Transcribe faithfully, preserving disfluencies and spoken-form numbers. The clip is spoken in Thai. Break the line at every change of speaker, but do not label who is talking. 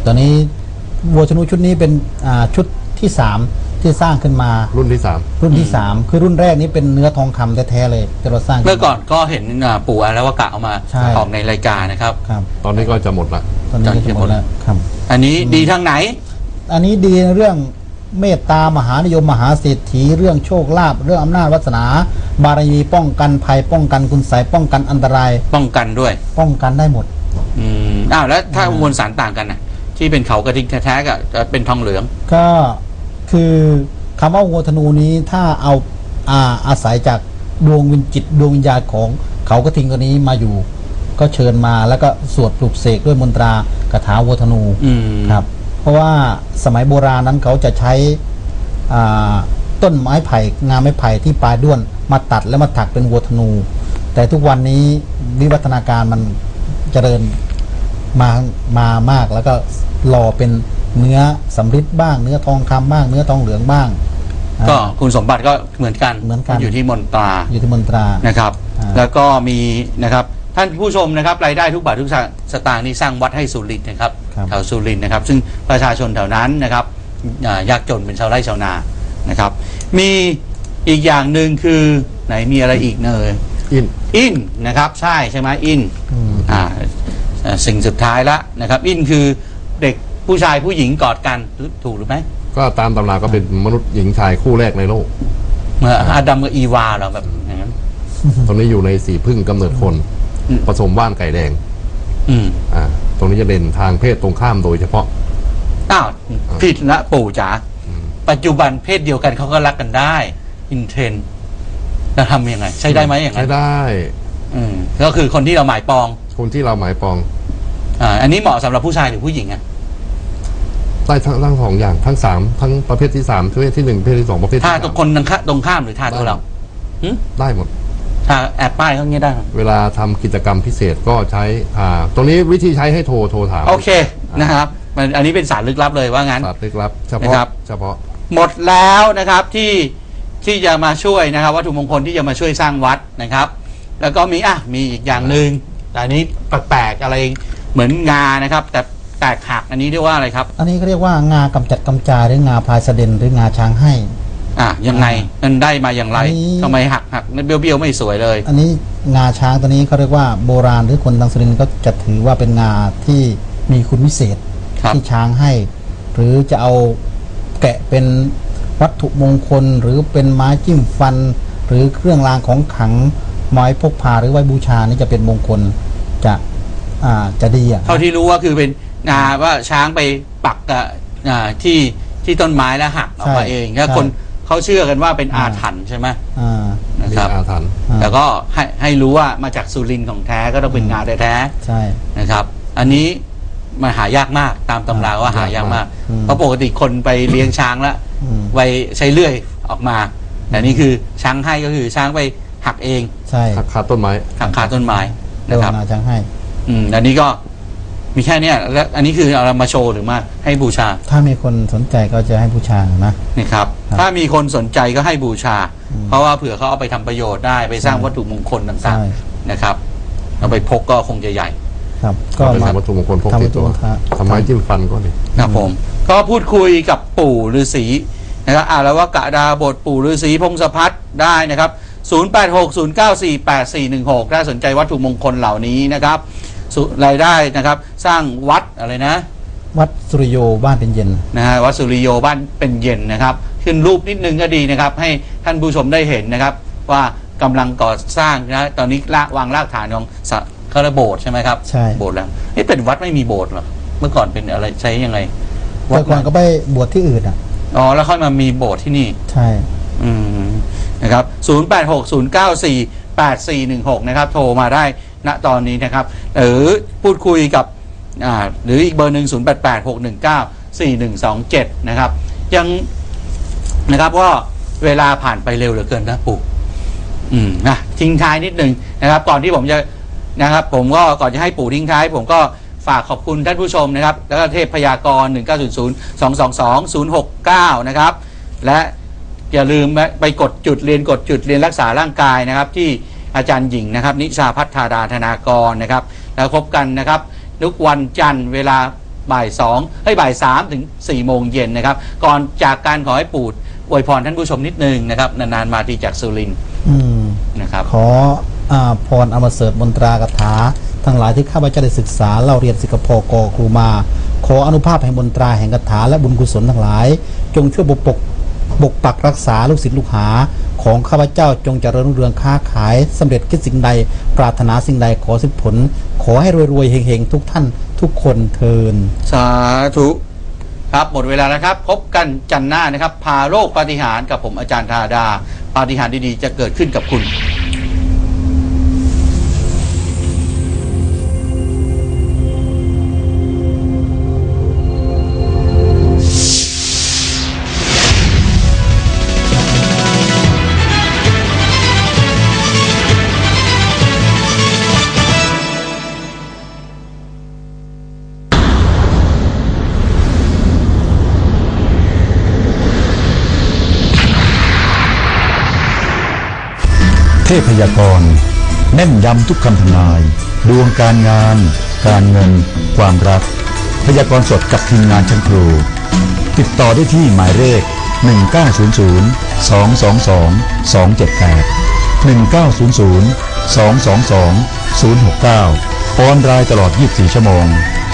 ตอนนี้วัวธนูชุดนี้เป็นชุดที่สามที่สร้างขึ้นมา
รุ่นที่สาม
รุ่นที่สามคือรุ่นแรกนี้เป็นเนื้อทองคำแท้ๆเลยที่เราสร้าง
เมื่อก่อนก็เห็นปู่อาแล้วว่ากะเอามาออกในรายการนะครับ
ตอนนี้ก็จะหมดละ
ตอนนี้จะหมดแล้วครับ
อันนี้ดีทางไหน
อันนี้ดีในเรื่องเมตตามหานิยมมหาเศรษฐีเรื่องโชคลาภเรื่องอำนาจวาสนาบารมีป้องกันภัยป้องกันคุณไสยป้องกันอันตราย
ป้องกันด้วย
ป้องกันได้หมด
อืมอ้าวแล้วถ้ามวลสารต่างกันนะที่เป็นเขากระทิงแท้ๆกับเป็นทองเหลือง
ก็คือคำว่าวัวธนูนี้ถ้าเอาอาอาศัยจากดวงวิญจิตดวงวิญญาณของเขากระทิงตัวนี้มาอยู่ก็เชิญมาแล้วก็สวดปลุกเสกด้วยมนตรากถาวัวธนูครับเพราะว่าสมัยโบราณนั้นเขาจะใช้ต้นไม้ไผ่งาไม้ไผ่ที่ปลายด้วนมาตัดแล้วมาถักเป็นวัวธนูแต่ทุกวันนี้วิวัฒนาการมันเจริญมามามากแล้วก็หล่อเป็นเนื้อสำริดบ้างเนื้อทองคำบ้างเนื้อทองเหลืองบ้าง
ก็คุณสมบัติก็เหมือนกัน
เหมือนกัน
อยู่ที่มนตรา
อยู่ที่มนตรา
นะครับแล้วก็มีนะครับท่านผู้ชมนะครับรายได้ทุกบาททุกสตางค์นี่สร้างวัดให้สุรินทร์นะครับแถวสุรินทร์นะครับซึ่งประชาชนแถวนั้นนะครับยากจนเป็นชาวไร่ชาวนานะครับมีอีกอย่างหนึ่งคือไหนมีอะไรอีกเนย
อิน
อินนะครับใช่ใช่ไหมอินอ่าสิ่งสุดท้ายละนะครับอินคือเด็กผู้ชายผู้หญิงกอดกันถูกหรือไม่
ก็ตามตำราก็เป็นมนุษย์หญิงชายคู่แรกในโลก
เมื่ออาดัมกับอีวาเราแบบอย่างนั้น
ตรงนี้อยู่ในสีพึ่งกำเนิดคนผสมว่านไก่แดง
อืม
อ่าตรงนี้จะเด่นทางเพศตรงข้ามโดยเฉพาะ
อ้าวผิดละปู่จ๋าปัจจุบันเพศเดียวกันเขาก็รักกันได้อินเทรนจะทำยังไงใช้ได้ไหมอย่างนั้น
ใช้ได้
อืมก็คือคนที่เราหมายปอง
คนที่เราหมายปอง
อ่าอันนี้เหมาะสำหรับผู้ชายหรือผู้หญิงอ่ะ
ได้ทั้งทั้งสองอย่างทั้งสามทั้งประเภทที่สามประเภทที่หนึ่งประเภทที่สองประเภทที่
ท่าตัวคนตรงข้ามหรือท่าตัวเรา
ได้หมด
ท่าแอบป้ายเขาเงี้ยได้
เวลาทำกิจกรรมพิเศษก็ใช้อ่าตรงนี้วิธีใช้ให้โทรโทรถาม
โอเคนะครับมันอันนี้เป็นสารลึกลับเลยว่างั้น
สารลึกลับเฉพาะเฉพาะ
หมดแล้วนะครับที่ที่จะมาช่วยนะครับวัตถุมงคลที่จะมาช่วยสร้างวัดนะครับแล้วก็มีอ่ะมีอีกอย่างหนึ่งแต่อันนี้แปลกๆอะไรเหมือนงานะครับแต่แตกหักอันนี้เรียกว่าอะไรครับ
อันนี้เขาเรียกว่างากำจัดกำจายหรืองาพายเสด็นหรืองาช้างให้
อ่ะยังไงมันได้มาอย่างไรทำไมหักหักเบี้ยวเบี้ยวไม่สวยเลย
อันนี้งาช้างตัวนี้เขาเรียกว่าโบราณหรือคนทางสุรินทร์ก็จะถือว่าเป็นงาที่มีคุณวิเศษที่ช้างให้หรือจะเอาแกะเป็นวัตถุมงคลหรือเป็นไม้จิ้มฟันหรือเครื่องรางของขลังไม้พกพาหรือไว้บูชานี่จะเป็นมงคลจะอ่าจะดีอ่ะ
เท่าที่รู้ว่าคือเป็นงาว่าช้างไปปักกับที่ที่ต้นไม้แล้วหักออกมาเองแล้วคนเขาเชื่อกันว่าเป็นอาถรรพ์ใช่ไหมนะครับ
อาถรรพ์
แต่ก็ให้ให้รู้ว่ามาจากสุรินทร์ของแท้ก็ต้องเป็นงาแท้
ๆใช่
นะครับอันนี้มันหายากมากตามตำราว่าหายากมากเพราะปกติคนไปเลี้ยงช้างแล้วไว้ใช้เลื่อยออกมาแต่นี่คือช้างให้ก็คือช้างไปหักเอง
ใช่
หักคาต้นไม้
หักคาต้นไม้นะครับ
ช้างให้
อืมอันนี้ก็มีแค่นี้แล้วอันนี้คือเอามาโชว์หรือมาให้บูชา
ถ้ามีคนสนใจก็จะให้บูชานะ
นี่ครับถ้ามีคนสนใจก็ให้บูชาเพราะว่าเผื่อเขาเอาไปทำประโยชน์ได้ไปสร้างวัตถุมงคลต่างๆนะครับเอาไปพกก็คงจะใหญ่
ครับก็
มาวัตถุมงคลพกติดตัวทำไมจิ้มฟันก็ดี
ครับผมก็พูดคุยกับปู่ฤาษีนะครับอ่าแล้วว่ากะดาบทปู่ฤาษีพงศพัฒน์ได้นะครับศูนย์ แปด หก ศูนย์ เก้า สี่ แปด สี่ หนึ่ง หกถ้าสนใจวัตถุมงคลเหล่านี้นะครับรายได้นะครับสร้างวัดอะไรนะ
วัดสุริโยบ้านเป็นเย็น
นะฮะวัดสุริโยบ้านเป็นเย็นนะครับขึ้นรูปนิดนึงก็ดีนะครับให้ท่านผู้ชมได้เห็นนะครับว่ากำลังก่อสร้างนะตอนนี้ละวางรากฐานของเขาเรียกโบสถ์ใช่ไหมครับ
ใช่
โบสถ์แล้วนี่เป็นวัดไม่มีโบสถ์หรอเมื่อก่อนเป็นอะไรใช้ยังไง
แต่ก่อนก็ไปบวชที่อื่นอ่ะ
อ๋อแล้วค่อยมามีโบสถ์ที่นี่
ใช่
อืมนะครับศูนย์ แปด หก ศูนย์ เก้า สี่ แปด สี่ หนึ่ง หกนะครับโทรมาได้ณตอนนี้นะครับหรือพูดคุยกับอ่าหรืออีกเบอร์หนึ่ง ศูนย์ แปด แปด หก หนึ่ง เก้า สี่ หนึ่ง สอง เจ็ดนะครับยังนะครับว่าเวลาผ่านไปเร็วเหลือเกินนะปู่อืมนะทิ้งท้ายนิดนึงนะครับก่อนที่ผมจะนะครับผมก็ก่อนจะให้ปู่ทิ้งท้ายผมก็ฝากขอบคุณท่านผู้ชมนะครับแล้วก็เทพพยากรณ์หนึ่ง เก้า ศูนย์ ศูนย์ สอง สอง สอง ศูนย์ หก เก้านะครับและอย่าลืมไปกดจุดเรียนกดจุดเรียนรักษาร่างกายนะครับที่อาจารย์หญิงนะครับนิชาพัฒนาดาธนากรนะครับแล้วพบกันนะครับทุกวันจันทร์เวลาบ่ายสองให้บ่ายสามถึงสี่โมงเย็นนะครับก่อนจากการขอให้ปู่อวยพรท่านผู้ชมนิดนึงนะครับนานๆมาทีจากสุรินทร์
อืม
นะครับ
ขออาพรอมเสริฐมนตรากถาทั้งหลายที่ข้าพเจ้าได้ศึกษาเล่าเรียนสิกขพกครูมา ขออนุภาพแห่งมนตราแห่งคาถาและบุญกุศลทั้งหลาย จงช่วยปกปกปกปักรักษาลูกศิษย์ลูกหาของข้าพเจ้าจงเจริญรุ่งเรืองค้าขายสำเร็จคิดสิ่งใดปรารถนาสิ่งใดขอสิผล ขอให้รวยๆเฮงๆทุกท่านทุกคนเทิน
สาธุครับหมดเวลาแล้วครับ พบกันจันทร์หน้านะครับ พาโลกปาฏิหาริย์กับผมอาจารย์ธาดาปาฏิหาริย์ดีๆจะเกิดขึ้นกับคุณ
เทพยากรณ์แน่นย้ำทุกคำทำนายดวงการงาน การเงิน ความรักพยากรณ์สดกับทีมงานชั้นครูติดต่อได้ที่หมายเลขหนึ่งเก้าศูนย์ศูนย์ สอง สอง สอง สอง เจ็ด แปด หนึ่งเก้าศูนย์ศูนย์ สอง สอง สอง ศูนย์ หก เก้าออนไลน์ตลอดยี่สิบสี่ชั่วโมง